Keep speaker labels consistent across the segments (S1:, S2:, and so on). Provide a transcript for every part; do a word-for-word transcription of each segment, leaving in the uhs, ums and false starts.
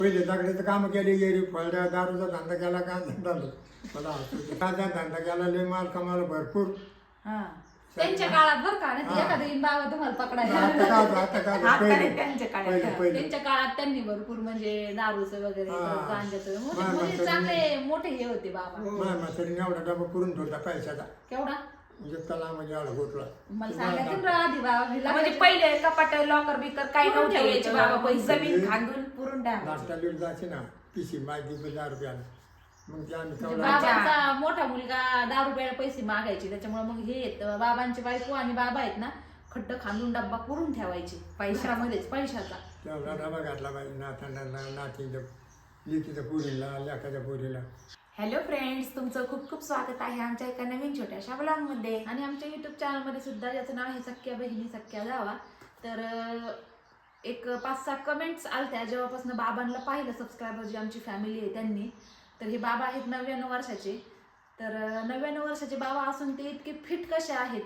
S1: पहिले दगडाचं काम केले गेली फळड्या दारूचा धंदा केला का धंदा मला काचा धंदा केला लय माल कमाला भरपूर.
S2: हा त्यांच्या काळात बरं का नाही एखादी बाबा तुम्हाला पकडायला
S1: आता का आता का
S2: हात
S1: पहिले
S2: काय त्यांच्या काळात
S1: पहिले पहिले
S2: त्यांच्या काळात त्यांनी भरपूर म्हणजे दारूचं वगैरे
S1: हा.
S2: गांजाचं
S1: मा-
S2: म्हणजे म्हणजे
S1: म्हातारी-
S2: चांगले मोठे हे होते बाबा.
S1: माझ्या म्हातारीने एवढा डबा करून ठेवला पैशाचा
S2: केवढा
S1: म्हणजे तला म्हणजे एवढा गोठला.
S2: मला सांगायचं ना आधी बाबा मी
S3: म्हणजे
S2: लग्नाच्या-
S3: पहिले कपाट लॉकर बिकर काही
S2: पुरून
S3: नव्हते
S2: ठेवायचे
S3: यायचे बाबा
S2: बाबा
S3: पैसे
S1: पैसे.
S3: जमीन खांदून पुरून टाक
S1: नाश्ता लीड जायचे ना पिशी माहिती दहा रुपयाला मग ते आम्ही
S2: म्हणजे
S1: तेवढा
S2: बाबांचा मोठा मुलगा दारू प्यायला पैसे मागायचे त्याच्यामुळे मग हे येत बाबांचे बायको आणि बाबा आहेत ना खड्ड खांदून डब्बा पुरून ठेवायचे पैशामध्येच पैशाचा.
S1: तेवढा डबा घातला पाहिजे नाताना नातीच्या लिकीच्या पोरीला लेकाच्या पोरीला.
S3: हॅलो फ्रेंड्स, तुमचं खूप खूप स्वागत आहे आमच्या एका नवीन छोट्याशा ब्लॉग मध्ये.
S2: आणि आमच्या युट्यूब चॅनलमध्ये सुद्धा ज्याचं नाव आहे सख्या बहिणी सख्या जावा. तर अं, एक पाच सहा कमेंट्स आलत्या जेव्हापासून बाबांना पाहिलं सबस्क्रायबर जी आमची फॅमिली आहे त्यांनी. तर हे बाबा आहेत नव्याण्णव वर्षाचे. तर अं, नव्याण्णव वर्षाचे बाबा असून ते इतके फिट कसे आहेत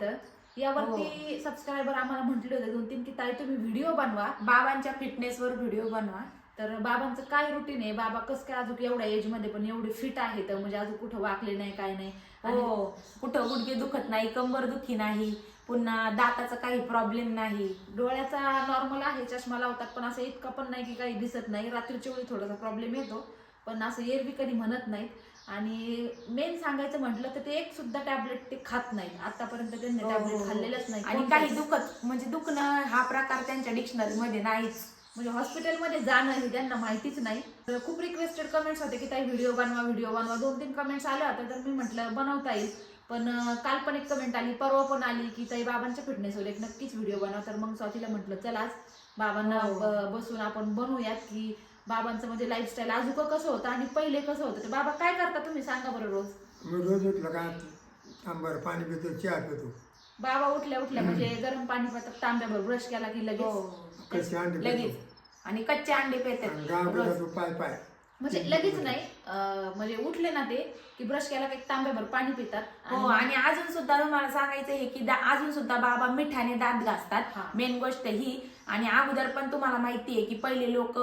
S2: यावरती सबस्क्रायबर आम्हाला म्हटले होते दोन तीन की ताई तुम्ही व्हिडिओ बनवा
S3: बाबांच्या फिटनेस वर व्हिडिओ बनवा.
S2: तर बाबांचं काय रुटीन आहे बाबा कसं काय अजून एवढ्या एज मध्ये पण एवढे फिट आहेत म्हणजे अजून कुठं वाकले नाही काय नाही.
S3: हो, कुठं गुडघे दुखत नाही, कंबर दुखी नाही, पुन्हा दाताचा काही प्रॉब्लेम नाही.
S2: डोळ्याचा नॉर्मल आहे चष्मा लावतात पण असं इतका पण नाही की काही दिसत नाही. रात्रीच्या वेळी थोडासा प्रॉब्लेम येतो पण असं एरवी कधी म्हणत नाहीत. आणि मेन सांगायचं म्हटलं तर ते एक सुद्धा टॅबलेट ते खात नाहीत आतापर्यंत त्यांनी टॅबलेट खाल्लेलंच नाही.
S3: आणि काही दुखत म्हणजे दुखणं हा प्रकार त्यांच्या डिक्शनरी मध्ये नाहीच.
S2: म्हणजे हॉस्पिटलमध्ये जाणं हे त्यांना माहितीच नाही. तर खूप रिक्वेस्टेड कमेंट्स होते की ताई व्हिडिओ बनवा व्हिडिओ बनवा. दोन तीन कमेंट्स आल्या होत्या तर मी म्हटलं बनवता येईल. पण काल पण एक कमेंट आली परवा पण आली की ताई बाबांच्या फिटनेसवर एक नक्कीच व्हिडिओ बनवा. तर मग स्वातीला म्हटलं चला आज बाबांना ब- बसून आपण बनवूयात की बाबांचं म्हणजे लाईफस्टाईल अजून कसं होतं आणि पहिले कसं होतं. ते बाबा काय करता तुम्ही सांगा बरं रोज.
S1: मी रोज उठलं का तांबर पाणी पितो चहा पितो
S2: बाबा उठल्या उठल्या म्हणजे गरम पाणी पितात तांब्यावर ब्रश केला की लगेच
S1: कशी अंडी
S3: लगेच
S1: पितो
S3: आणि कच्चे अंडे
S1: आणि
S3: पेतात
S1: गाव
S3: रोज.
S1: पितो पाय पाय
S2: म्हणजे लगेच नाही अं, म्हणजे उठले ना ते की ब्रश केला की एक तांब्याभर पाणी पितात.
S3: हो, आणि अजून सुद्धा तुम्हाला सांगायचं आहे की दा- अजून सुद्धा बाबा मिठाने दात
S2: हा.
S3: घासतात. मेन गोष्ट ही. आणि अगोदर पण तुम्हाला माहिती आहे की पहिले लोक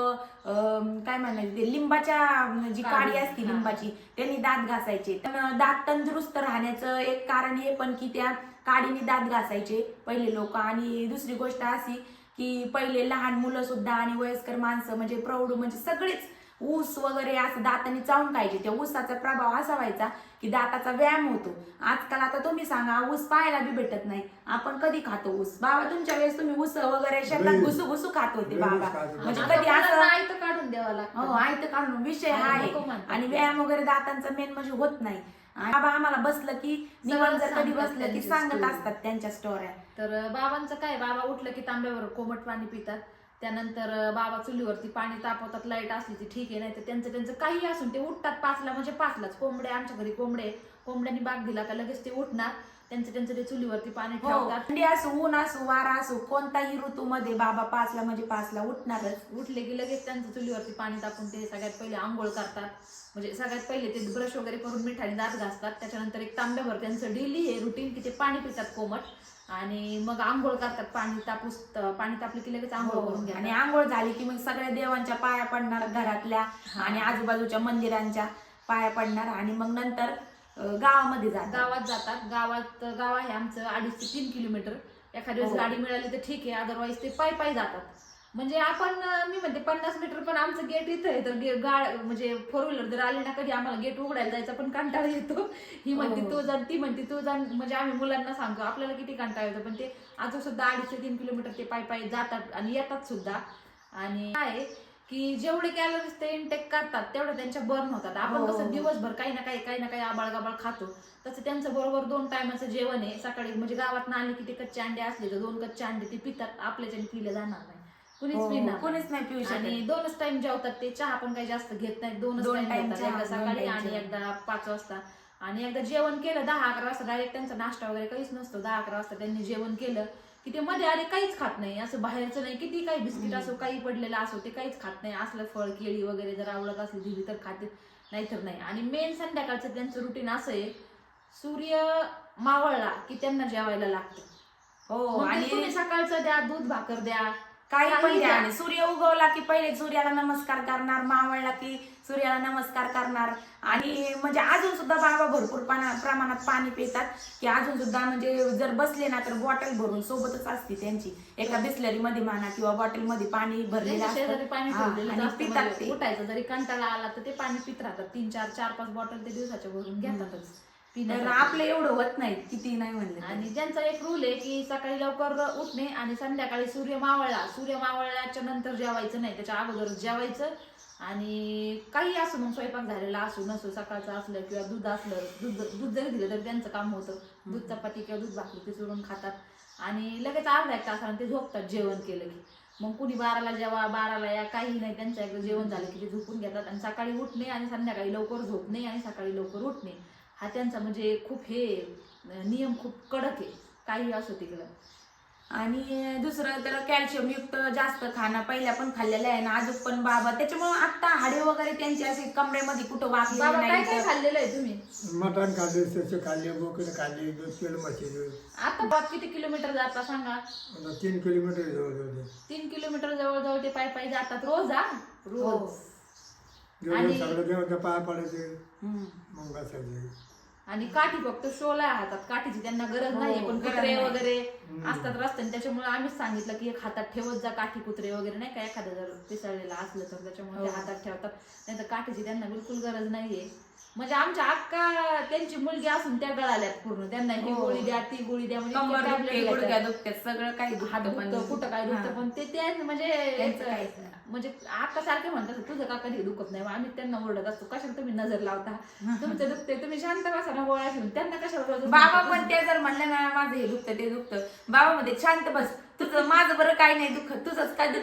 S3: काय म्हणायचे ते लिंबाच्या जी
S2: काडी.
S3: काडी असती
S2: हा.
S3: लिंबाची त्यांनी दात घासायचे. पण दात तंदुरुस्त राहण्याचं एक कारण हे पण की त्या काडीने दात घासायचे पहिले लोक. आणि दुसरी गोष्ट अशी की पहिले लहान मुलं सुद्धा आणि वयस्कर माणसं म्हणजे प्रौढ म्हणजे सगळेच ऊस वगैरे असं दाताने चावून खायचे. त्या ऊसाचा प्रभाव असा व्हायचा की दाताचा व्यायाम होतो. आजकाल आता तुम्ही सांगा ऊस पाहायला बी भेटत नाही. आपण कधी खातो ऊस? बाबा तुमच्या वेळेस तुम्ही ऊस वगैरे शेतात
S1: लई.
S3: घुसू घुसू खात होते
S1: लई
S3: बाबा.
S1: ऊस खात होते.
S3: म्हणजे
S2: आता
S3: कधी असं
S2: मुलांना आयतं काढून द्यावं लागतं.
S3: हो आयत काढून विषय हा
S2: आणि
S3: आहे.
S2: नको म्हणतात
S3: आणि
S2: ते.
S3: व्यायाम वगैरे दातांचा मेन म्हणजे होत नाही. आणि बाबा आम्हाला बसलं की निवांत जर कधी
S2: सांगतात
S3: बसलं की
S2: त्यांची
S3: सांगत
S2: story.
S3: असतात त्यांच्या स्टोऱ्या.
S2: तर बाबांचं काय बाबा उठलं की तांब्यावर कोमट पाणी पितात. त्यानंतर बाबा चुलीवरती पाणी तापवतात. लाईट असली ती ठीक आहे नाही तर त्यांचं त्यांचं काही असून ते उठतात पाचला म्हणजे पाचलाच. कोंबडे आमच्या घरी कोंबडे कोंबड्यांनी बाग दिला का लगेच ते उठणार त्यांचं त्यांचं ते चुलीवरती पाणी
S3: हो,
S2: ठेवतात.
S3: थंडी असो ऊन असो वारा असो कोणताही ऋतूमध्ये बाबा पाचला म्हणजे पाचला उठणारच.
S2: उठले की लगेच त्यांचं चुलीवरती पाणी टाकून ते सगळ्यात पहिले आंघोळ करतात. म्हणजे सगळ्यात पहिले ते ब्रश वगैरे करून मिठाने दात घासतात. त्याच्यानंतर एक तांब्याभर त्यांचं डेली हे रुटीन की ते पाणी पितात कोमट. आणि मग आंघोळ करतात. पाणी तापूस पाणी तापले की लगेच आंघोळ करून घ्या.
S3: आणि आंघोळ झाली की मग सगळ्या देवांच्या पाया पडणार घरातल्या आणि आजूबाजूच्या मंदिरांच्या पाया पडणार. आणि मग नंतर अं, गावामध्ये जातात.
S2: गावात जातात. गावात गाव आहे आमचं अडीच ते तीन किलोमीटर. एखाद्या वेळेस
S3: हो.
S2: गाडी मिळाली तर ठीक आहे अदरवाईज ते पायी पायी जातात. म्हणजे आपण अं, मी म्हणते पन्नास मीटर पण आमचं गेट इथं आहे तर गे- गाड म्हणजे फोर व्हीलर जर आले ना कधी आम्हाला गेट उघडायला जायचा पण कंटाळा येतो. ही म्हणते
S3: हो.
S2: तू जा ती म्हणते तू जा म्हणजे आम्ही मुलांना सांगतो आपल्याला किती कंटाळा येतो पण ते अजून सुद्धा अडीच ते तीन किलोमीटर ते पायी पायी जातात आणि येतात सुद्धा. आणि काय की जेवढे कॅलरीज ते इनटेक करतात तेवढे त्यांच्या बर्न होतात. आपण
S3: हो.
S2: कसं दिवसभर काही ना काही काही ना काही आबाळ गाबाळ खातो तसं त्यांचं बरोबर दोन टायमाचं जेवण आहे. सकाळी म्हणजे गावात आले की ते कच्चे अंडे असले तर दोन कच्चे अंडे ते पितात. आपल्याच्याने पिले जाणार नाही कुणीच
S3: हो,
S2: पिणार
S3: कोणीच नाही पिऊ शकत.
S2: आणि दोनच टाइम जेवतात ते. चहा पण काही जास्त घेत नाहीत. दोनच
S3: दोन
S2: टाइम
S3: time
S2: घेतात.
S3: चहा,
S2: एकदा
S3: दोन
S2: सकाळी
S3: time
S2: आणि
S3: जेवण.
S2: एकदा पाच वाजता. आणि एकदा जेवण केलं दहा अकरा वाजता डायरेक्ट त्यांचा नाश्ता वगैरे काहीच नसतो. दहा अकरा वाजता त्यांनी जेवण केलं की ते मध्ये आले काहीच खात नाही. असं बाहेरचं नाही किती काही बिस्किट असो काही पडलेलं असो ते काहीच खात नाही. असलं फळ केळी वगैरे जर आवडत असली दिली तर खाते नाहीतर नाही. आणि मेन संध्याकाळचं त्यांचं रुटीन असं आहे सूर्य मावळला की त्यांना जेवायला लागतं.
S3: हो
S2: आणि
S3: आणि
S2: तुम्ही सकाळचं द्या दूध भाकर द्या
S3: काही
S2: काही
S3: पण द्या
S2: द्या.
S3: आणि सूर्य उगवला की पहिले सूर्याला नमस्कार करणार, मावळला की सूर्याला नमस्कार करणार. आणि म्हणजे अजून सुद्धा बाबा भरपूर पाना प्रमाणात पाणी पितात की अजून सुद्धा म्हणजे जर बसले ना तर बॉटल भरून सोबतच असते त्यांची, एका बिस्लरी मध्ये म्हणा किंवा बॉटल मध्ये पाणी भरलेलं
S2: त्यांच्या शेजारी
S3: असतं
S2: पाणी
S3: हा,
S2: ठेवलेलं
S3: आणि
S2: असतं,
S3: पितात
S2: म्हणजे
S3: ते.
S2: उठायचं जरी कंटाळा आला तर ते पाणी पित राहतात. तीन चार चार पाच बॉटल ते दिवसाच्या भरून घेतातच
S3: तर
S2: पिण्यासाठी.
S3: आपलं एवढं होत नाही किती नाही म्हणलं तरी.
S2: आणि ज्यांचा एक रूल आहे की सकाळी लवकर उठणे आणि संध्याकाळी सूर्य मावळला सूर्य मावळल्याच्या नंतर जेवायचं नाही, त्याच्या अगोदर जेवायचं. आणि काही असो मग स्वयंपाक झालेला असो नसो, सकाळचं असलं किंवा दूध असलं, दूध दूध जरी दिलं तरी त्यांचं काम होतं. दूध चपाती किंवा दूध भाकरी ते सोडून खातात आणि लगेच अर्धा एक तासाने ते झोपतात जेवण केलं की. मग कुणी बाराला जेवा बाराला या काही नाही, त्यांचं एकदा जेवण झालं की ते झोपून घेतात. आणि सकाळी उठणे आणि संध्याकाळी लवकर झोपणे आणि सकाळी लवकर उठणे हा त्यांचा म्हणजे खूप हे नियम खूप कडक आहे, काही असो तिकडं.
S3: आणि दुसरं तर कॅल्शियम युक्त जास्त खाणं पहिल्या पण खाल्लेलं आहे ना, अजून पण बाबा त्याच्यामुळे आता हाडे वगैरे त्यांचे असे कमरेमध्ये कुठं वाकले
S2: बाबा काय काय
S3: नाही.
S2: खाल्लेलं आहे तुम्ही?
S1: मटण खाल्ले, ससे खाल्ले, बोकडे खाल्ले, दूध केलं म्हशीचं.
S2: आता बाप किती किलोमीटर जाता सांगा?
S1: आता तीन किलोमीटर जवळ जवळ
S2: तीन किलोमीटर जवळजवळ ते पायी पायी जातात रोज. हा रोज.
S1: जेवढं
S2: आणि-
S1: सगळं देवाच्या पाया पडायचे
S3: हम्म.
S1: मग बसायचे.
S2: आणि काठी फक्त शोला हातात, काठीची त्यांना गरज नाही.
S3: हो,
S2: पण
S3: गरज
S2: कुत्रे
S3: नाही.
S2: वगैरे
S1: हम्म.
S2: असतात रस्त्याने, त्याच्यामुळे आम्हीच सांगितलं की एक हातात ठेवत जा काठी. कुत्रे वगैरे नाही का एखादं जर पिसळलेलं असलं तर त्याच्यामुळे ते
S3: हो.
S2: हातात ठेवतात, नाही तर काठीची त्यांना बिलकुल गरज नाहीये. म्हणजे आमच्या अक्का त्यांची मुलगी असून त्या गळाल्यात पूर्ण, त्यांना ही
S3: हो.
S2: गोळी द्या ती गोळी द्या म्हणजे
S3: कंबर
S2: इतके tablet
S3: दुखते,
S2: घेतात.
S3: गुडघ्या दुखतात, सगळं काही
S2: हात
S3: दुखतं पण
S2: दुखतं, कुठं काय दुखतं,
S3: हा.
S2: पण ते ते म्हणजे
S3: त्यांचं काहीच नाही.
S2: म्हणजे आका सारखे म्हणतात तुझं का कधी दुखत नाही. मग आम्ही त्यांना ओरडत असतो, कशाला तुम्ही नजर लावता, तुमचं दुखते तुम्ही शांत बसा ना गोळ्या घेऊन. त्यांना कशाला रोज
S3: बाबा पण ते जर म्हणलं ना माझं हे दुखतं ते दुखतं, बाबा मध्ये शांत बस, तुझं माझं बरं काही नाही दुखत, तुझंच काय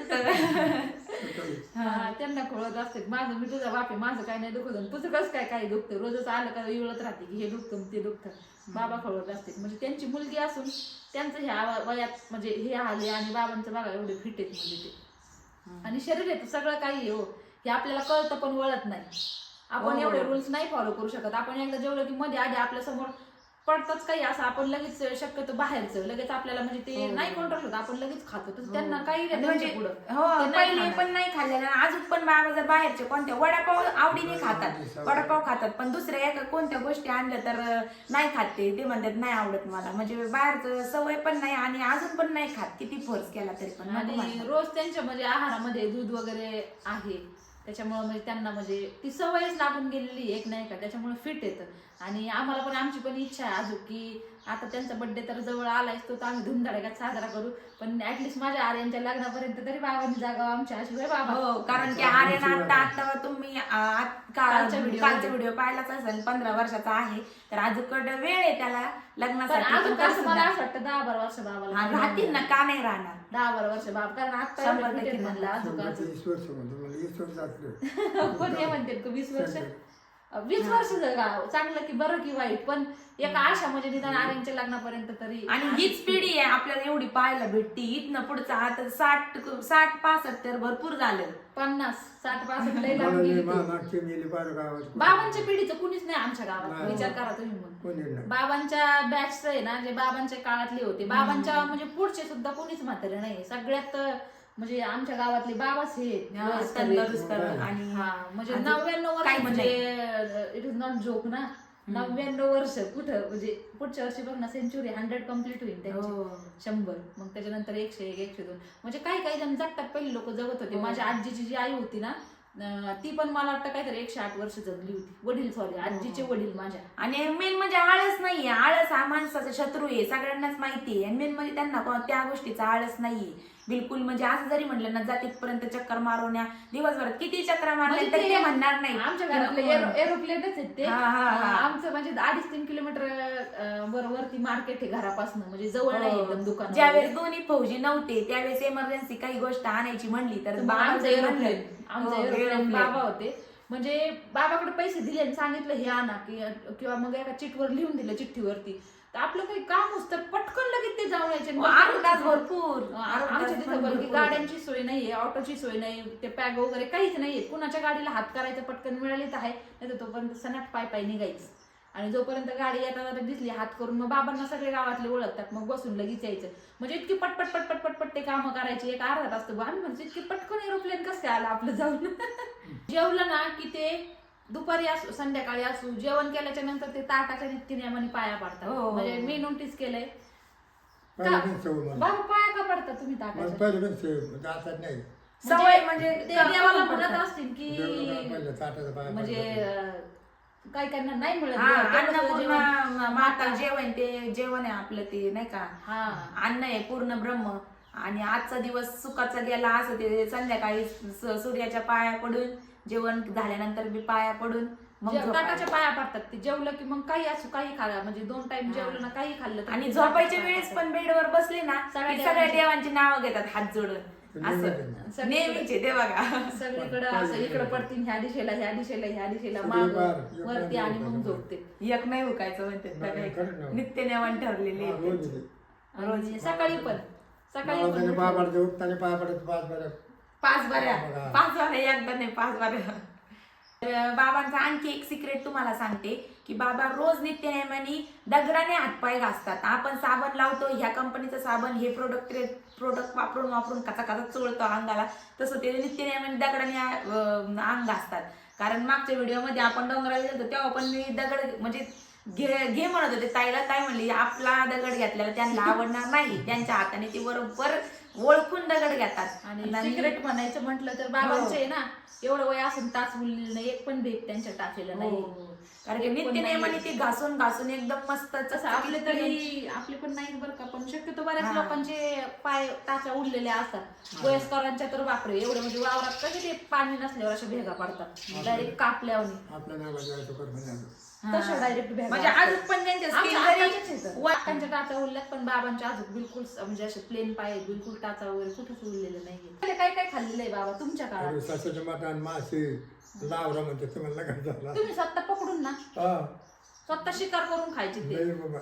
S3: दुखतं.
S2: हा, त्यांना खोळत असते माझं मी तुझा बाप आहे, माझं काय नाही दुखत आणि तुझं कसं काय काही दुखतं. रोजच आलं का इवळत राहते की हे दुखतं ते दुखतं. बाबा खोळत असते. म्हणजे त्यांची मुलगी असून त्यांचं ह्या वयात म्हणजे हे आले आणि बाबांचं बघा एवढे फिट आहेत म्हणजे ते. आणि शरीर आहे सगळं काही आहे हो, हे आपल्याला कळतं पण वळत नाही. आपण
S3: हो.
S2: एवढे रूल्स नाही फॉलो करू शकत. आपण एकदा जेवलं की मध्ये आधी आपल्या समोर पडतच काही असं, आपण लगेच शक्यतो बाहेरचं लगेच आपल्याला म्हणजे ते
S3: हो.
S2: नाही कंट्रोल होत, आपण लगेच खातो. तर
S3: हो.
S2: त्यांना काही
S3: आणि
S2: नाही
S3: म्हणजे
S2: त्यांच्या पुढं.
S3: हो
S2: ते नाही
S3: पहिले
S2: खाणार.
S3: पण नाही खाल्लेलं आणि अजून पण बाबा जर बाहेरचे कोणत्या वडापाव आवडीने खातात, वडापाव खातात, पण दुसऱ्या एका कोणत्या गोष्टी आणल्या तर नाही खात ते ते म्हणतात नाही आवडत मला. म्हणजे बाहेरचं सवय पण नाही आणि अजून पण नाही खात, किती फोर्स केला तरी पण नको
S2: आणि
S3: म्हणतात.
S2: रोज त्यांच्या म्हणजे आहारामध्ये दूध वगैरे आहे, त्याच्यामुळे म्हणजे त्यांना म्हणजे ती सवयच लागून गेलेली एक नाही का, त्याच्यामुळे फिट येतं. आणि आम्हाला पण आमची पण इच्छा आहे अजून की आता त्यांचा बर्थडे तर जवळ आलायच, तो तर आम्ही धुमधडाक्यात साजरा करू. पण ऍटलिस्ट माझ्या आर्यांच्या लग्नापर्यंत तरी बाबांनी जागा आमच्या अशी होय बाबा.
S3: हो, कारण की आर्यन आता आता तुम्ही आ, आत- का-
S2: कालच्या व्हिडिओ
S3: कालचा व्हिडिओ पाहिलाच असेल, पंधरा वर्षाचा आहे, तर अजून वेळ आहे त्याला
S2: पण
S3: लग्नासाठी.
S2: अजून
S3: पण
S2: कसं मला
S3: तरी
S2: असं वाटतं दहा बारा वर्ष
S3: हा,
S2: बाबाला
S3: राहतील ना, का नाही राहणार.
S2: दहा बारा वर्ष बाबा, कारण आता
S3: शंभर
S2: एवढे fit
S3: टक्के
S2: आहेत म्हणलं अजून
S1: शंभर
S2: अजून.
S1: ते वीस वर्ष म्हणतो मला वीस वर्ष असलं.
S2: कोण हे म्हणते का वीस वर्ष वीस वर्ष जगा चांगलं की बरं की वाईट, पण एक आशा म्हणजे निदान आर्यांच्या लग्नापर्यंत तरी.
S3: आणि हीच पिढी आहे आपल्याला एवढी पाहायला भेटती. इथनं पुढचं आता साठ साठ पासष्ट तर भरपूर झालं.
S2: पन्नास साठ पासष्ट लय लांब
S1: मला
S2: गेली
S1: मा-
S2: ती.
S1: मागचे गेले बारा गावात
S2: बाबांच्या पिढीचं कुणीच नाही आमच्या गावात,
S1: नाही.
S2: विचार करा तुम्ही. मग
S1: कोणी नाही.
S2: बाबांच्या बॅच आहे ना, जे बाबांच्या काळातले होते, बाबांच्या म्हणजे पुढचे सुद्धा कोणीच म्हातारे नाही. सगळ्यात म्हणजे आमच्या गावातले बाबाच हे वयस्कर आहेत.
S3: तंदुरुस्त आणि
S2: हा, म्हणजे
S3: अजून
S2: नव्याण्णव वर्ष
S3: काहीच
S2: म्हणजे इट इज नॉट जोक ना. नव्याण्णव वर्ष कुठं म्हणजे पुढच्या वर्षी बघ ना सेंचुरी हंड्रेड कम्प्लीट होईल त्यांची.
S3: हो.
S2: शंभर, मग त्याच्यानंतर एकशे एक एकशे दोन, म्हणजे काही काही जण जगतात. पहिली लोक जगत होते.
S3: हो.
S2: माझ्या आजीची जी आई होती ना, अं, ती पण मला वाटतं काहीतरी एकशे आठ वर्ष जगली होती. वडील सॉरी आजीचे वडील माझ्या.
S3: आणि मेन म्हणजे आळस नाहीये. आळस हा माणसाचा शत्रू आहे, सगळ्यांनाच माहिती आहे. आणि मेन म्हणजे त्यांना कोण- त्या गोष्टीचा आळस नाहीये बिलकुल. म्हणजे असं जरी म्हणलं ना जातीपर्यंत चक्कर मारवण्या, दिवसभरात किती चक्कर मारल्या
S2: म्हणजे
S3: तरी
S2: ते
S3: ते म्हणणार नाही.
S2: आमच्या घरातले एरोप्लेनच आहेत ते.
S3: हा, हा, हा.
S2: आमचं म्हणजे अडीच तीन किलोमीटर अं, वर वरती मार्केट आहे घरापासून, म्हणजे जवळ नाही एकदम दुकान.
S3: ज्यावेळेस दोन्ही फौजी नव्हते त्यावेळेस इमर्जन्सी काही गोष्ट आणायची म्हणली तर
S2: तर आमचं
S3: जर
S2: एरोप्लेन
S3: म्हणलं-
S2: आमचं
S3: हो,
S2: एरोप्लेन
S3: एरोप्लेन.
S2: बाबा होते. म्हणजे बाबाकडे पैसे दिले आणि सांगितलं हे आणा की किंवा मग एका चिठवर लिहून दिलं चिठ्ठीवरती, तर आपलं काही काम असतं तर पटकन लगेच ते जाऊन यायचे.
S3: हो, अर्धा तास भरपूर
S2: आमच्या तिथं बरं की गाड्यांची सोय नाहीये, ऑटोची सोय नाही, ते पॅग वगैरे काहीच नाहीये. कुणाच्या गाडीला हात करायचं पटकन मिळाली तर आहे, नाही तर तोपर्यंत सनाट पाय पाय निघायचं. आणि जोपर्यंत गाडी येताना दिसली हात करून मग बाबांना सगळे गावातले ओळखतात, मग बसून लगेच यायचं. म्हणजे इतकी पटपट पटपट पटपट ते कामं करायची. एक अर्धा तास तर आम्ही म्हणजे इतकी पटकन एरोप्लेन कसं काय आलं आपलं जाऊन. जेवलं ना की ते दुपारी असू संध्याकाळी असू जेवण केल्याच्या नंतर ते ताटाच्या नित्यनियमाने पाया पडतात.
S3: हो.
S2: म्हणजे मी नोटीस केलंय.
S1: पहिलं पण सवय मला.
S2: बाबा पाया का पडतात तुम्ही ताटाच्या?
S1: पहिलं पण सवय जातात नाही
S3: सवय म्हणजे
S2: ते
S3: करून
S2: देवाला
S3: पडतात.
S2: म्हणत असतील की
S1: जेवलं पहिलं ताटाचा पाय
S2: म्हणजे
S1: पडला.
S2: अं, काही काहींना नाही मिळत
S3: हा,
S2: तेवढं
S3: अन्नपूर्णा
S2: जेवण.
S3: माता जेवण ते जेवण आहे आपलं ते नाही का.
S2: हा
S3: अन्न आहे पूर्ण ब्रह्म. आणि आजचा दिवस सुखाचा गेला असं ते संध्याकाळी स- सूर्याच्या पाया पडून जेवण झाल्यानंतर बी पाया पडून मग
S2: जे-
S3: झोपायचं.
S2: ताटाच्या पाया पडतात ते जेवलं की मग काही असू काही खाल्लं म्हणजे दोन टाइम जेवलं ना काही खाल्लं तर
S3: आणि
S2: ते
S3: झोपायच्या
S2: ताटाच्या
S3: वेळेस
S2: पाया
S3: पण बेडवर बसले ना
S2: सगळ्या
S3: की सगळ्या
S2: देवांची-
S3: देवांची नावं घेतात हात जोडून असं
S2: पडतात.
S3: नेहमीचे ते बघा.
S2: सगळीकडे असं इकडे पडतील ह्या दिशेला ह्या दिशेला ह्या दिशेला
S1: सगळे
S2: माग
S1: पार, एक
S2: वरती
S1: पार,
S2: आणि
S1: एक
S2: मग
S1: पार.
S2: झोपते.
S3: एक नाही हुकायचं म्हणतात
S1: नाही,
S3: सगळे.
S1: खरं ना.
S3: नित्य नेमान ठरलेले
S1: हा,
S3: आहेत
S1: रोज
S3: त्यांचे.
S1: येते.
S2: आणि सकाळी पण सकाळी
S1: मला त्याने पाय
S2: पण
S1: पडते उठताना पाय पडत पाच बरं
S3: पाच बऱ्या
S1: बघा.
S3: पाच बऱ्या एकदा नाही पाच बऱ्या. तर बाबांचा आणखी एक सिक्रेट तुम्हाला सांगते की बाबा रोज नित्यनेमाने दगडाने हातपाय घासतात. आपण साबण लावतो ह्या कंपनीचं साबण हे प्रोडक्ट प्रोडक्ट वापरून वापरून कचा कचा चोळतो अंगाला, तसं ते नित्यनेमाने दगडाने अं, अंग घासतात. कारण मागच्या व्हिडिओमध्ये आपण डोंगराला गेलो तेव्हा पण मी दगड म्हणजे घे घे म्हणत होते ताईला. ताई म्हणली आपला दगड घेतलेला त्यांना आवडणार नाही, त्यांच्या हाताने ती बरोबर ओळखून दगड घेतात.
S2: आणि सिक्रेट म्हणायचं म्हटलं तर बाबांचे आहे ना एवढं वय असून टाच उरलेलं नाही, एक पण भेट त्यांच्या टाचलेलं नाही.
S3: हो. कारण की
S2: एक पण
S3: नित्यनेमाने
S2: नाहीये.
S3: ते घासून घासून एकदम मस्त
S2: तसं आपले तरी आपले पण नाही बरं का, पण शक्यतो बऱ्याच
S3: हा.
S2: लोकांचे पाय टाचा उडलेले असतात. वयस्करांच्या तर बापरे एवढं म्हणजे वावरात कसे ते पाणी नसल्यावर अशा भेगा पडतात डायरेक्ट कापल्यावर
S1: आपल्या नावाला जायचं कर म्हणायचं.
S2: तशा डायरेक्ट भेगा
S3: म्हणजे
S2: असतात.
S3: अजून पण त्यांच्या
S2: आमच्या
S3: स्किन
S2: आत्याच्याच आहेत.
S3: जरी
S2: वाटांच्या टाचा उरल्यात पण बाबांच्या अजून बिलकुल म्हणजे असे प्लेन पाय आहेत, बिलकुल टाचा वगैरे कुठेच उरलेलं नाहीये. काय काय खाल्लेलं आहे बाबा तुमच्या काळात?
S1: अरे सासूच्या मटण मासे लावरा म्हणते तुम्हाला काय झाला.
S2: तुम्ही स्वतः पकडून ना
S1: हा
S2: स्वतः शिकार करून खायची ते
S1: लय बाबा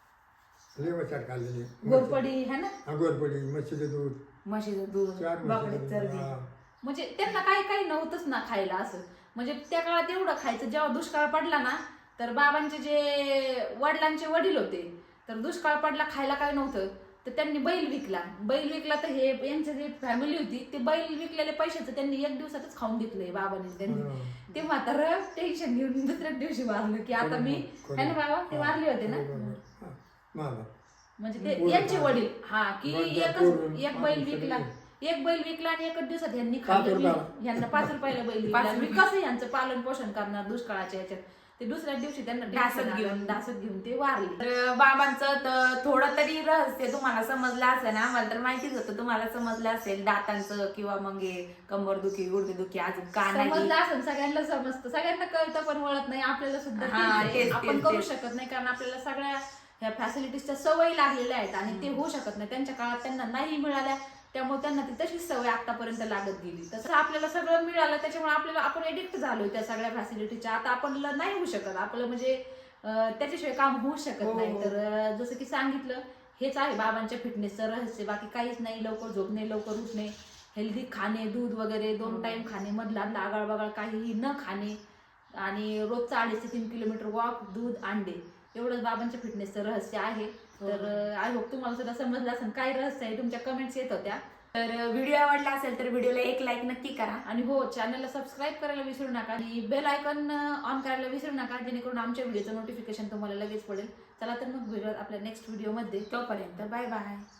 S1: लय वचार खाल्लेले.
S2: गोरपडी है ना.
S1: हा, गोरपडी म्हशीचं दूध
S3: म्हशीचं दूध
S1: चार
S3: बाकडे
S1: म्हशीचं दूध.
S3: चरबी.
S1: हा.
S2: म्हणजे त्यांना काही काही नव्हतंच ना खायला असं. म्हणजे त्या काळात एवढं खायचं. जेव्हा दुष्काळ पडला ना तर बाबांचे जे वडिलांचे वडील होते तर दुष्काळ पडला खायला काय नव्हतं तर त्यांनी बैल विकला. बैल विकला तर हे यांची जी फॅमिली होती ते बैल विकलेल्या पैशाचं त्यांनी एक दिवसातच खाऊन घेतलंय बाबांनी. त्यांनी
S1: हा.
S2: ते म्हातारं टेन्शन घेऊन दुसऱ्याच दिवशी वारलं की आता मी है ना बाबा ते वारले होते ना.
S1: हा, मामा.
S2: म्हणजे ते
S1: पोरं
S2: यांचे
S1: खा.
S2: वडील हा की
S1: वडील
S2: एकच
S1: पोरं,
S2: एक बैल
S1: पाच
S2: विकला
S1: रुपये.
S2: एक बैल विकला आणि एकच दिवसात यांनी
S1: पाच
S2: खाल्लं.
S1: रुपयाला.
S2: मी- यांना पाच रुपयाला बैल विकला.
S3: पाच
S2: मी
S3: रुपये.
S2: कसं यांचं पालन पोषण करणार दुष्काळाच्या याच्यात. ते दुसऱ्या दिवशी त्यांना
S3: ढासत
S2: ढासत
S3: घेऊन.
S2: घेऊन ढासत घेऊन ते वारले.
S3: तर बाबांचं तर थोडं तरी रहस्य तुम्हाला समजलं असेल ना. मला तर माहितीच होतं तुम्हाला समजलं असेल दातांचं किंवा मग हे कंबरदुखी गुडघेदुखी अजून कानाची.
S2: समजलं असं सगळ्यांना समजतं, सगळ्यांना कळतं पण वळत नाही. आपल्याला सुद्धा
S3: हा,
S2: तेच
S3: तेच,
S2: आहे. आपण
S3: तेच,
S2: करू
S3: तेच.
S2: शकत नाही कारण आपल्याला सगळ्या ह्या फॅसिलिटीजच्या सवयी लागलेल्या आहेत आणि ते होऊ शकत नाही. त्यांच्या काळात त्यांना नाही मिळाल्या त्यामुळे त्यांना ती तशीच सवय आतापर्यंत लागत गेली. तसं आपल्याला सगळं मिळालं त्याच्यामुळे आपल्याला आपण एडिक्ट झालोय त्या सगळ्या फॅसिलिटीच्या. आता आपल्याला नाही होऊ शकत आपलं म्हणजे अं, त्याच्याशिवाय काम होऊ शकत
S3: हो.
S2: नाही. तर अं, जसं की सांगितलं हेच आहे बाबांच्या फिटनेसचं रहस्य. बाकी काहीच नाही. लवकर झोपणे, लवकर उठणे, हेल्दी खाणे, दूध वगैरे दोन टाइम खाणे, मधला आगळ बगाळ काहीही न खाणे आणि रोजचा अडीच ते तीन किलोमीटर वॉक, दूध, अंडे एवढंच बाबांच्या फिटनेसचं रहस्य आहे. तर आय होप तुम्हाला सुद्धा समजलं असेल काय रहस्य आहे. तुमच्या कमेंट्स येत होत्या.
S3: तर व्हिडिओ आवडला असेल तर व्हिडिओला एक लाईक नक्की करा.
S2: आणि हो चॅनलला सबस्क्राईब करायला विसरू नका आणि बेल आयकॉन ऑन करायला विसरू नका जेणेकरून आमच्या व्हिडिओचं नोटिफिकेशन तुम्हाला लगेच पडेल. चला तर मग भेटूयात आपल्या नेक्स्ट व्हिडिओमध्ये.
S3: तोपर्यंत बाय बाय.